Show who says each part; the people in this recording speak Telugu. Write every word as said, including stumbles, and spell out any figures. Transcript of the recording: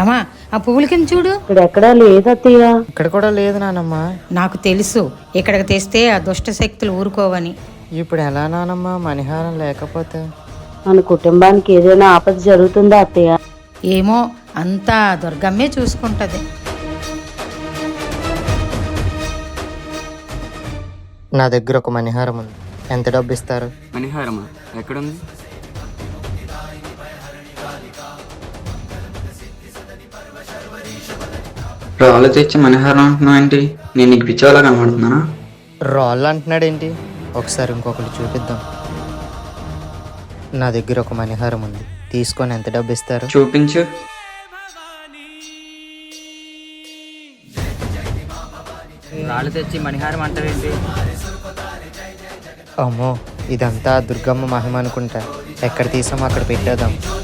Speaker 1: మామా ఆ పువ్వుల కింద చూడు.
Speaker 2: ఇక్కడ ఎక్కడా లేదు అత్తయ్య.
Speaker 3: ఇక్కడ కూడా లేదు నానమ్మ.
Speaker 1: నాకు తెలుసు ఇక్కడికి తెస్తే ఆ దుష్ట శక్తులు ఊరుకోవని.
Speaker 3: ఇప్పుడు ఎలా నానమ్మ మణిహారం లేకపోతే?
Speaker 2: మన కుటుంబానికి ఏదైనా ఆపద జరుగుతుందా అత్తయ్య?
Speaker 1: ఏమో అంతా దుర్గమ్మే చూసుకుంటది.
Speaker 3: నా దగ్గర ఒక మణిహారం ఉంది, ఎంత డబ్బు ఇస్తారు?
Speaker 4: మణిహారమా? ఎక్కడుంది? రాళ్ళు తెచ్చి మణిహారం అంటున్నావు ఏంటి? నేను నీకు పిచ్చోలా కనబడుతున్నానా?
Speaker 3: రాళ్ళు అంటున్నాడు ఏంటి? ఒకసారి ఇంకొకటి చూపిద్దాం. నా దగ్గర ఒక మణిహారం ఉంది, తీసుకొని ఎంత డబ్బు ఇస్తారు?
Speaker 4: చూపించు.
Speaker 5: రాళ్ళు తెచ్చి మణిహారం అంటారేంటి?
Speaker 3: అమ్మో, ఇదంతా దుర్గమ్మ మహిమ అనుకుంటా. ఎక్కడ తీసామో అక్కడ పెట్టేద్దాం.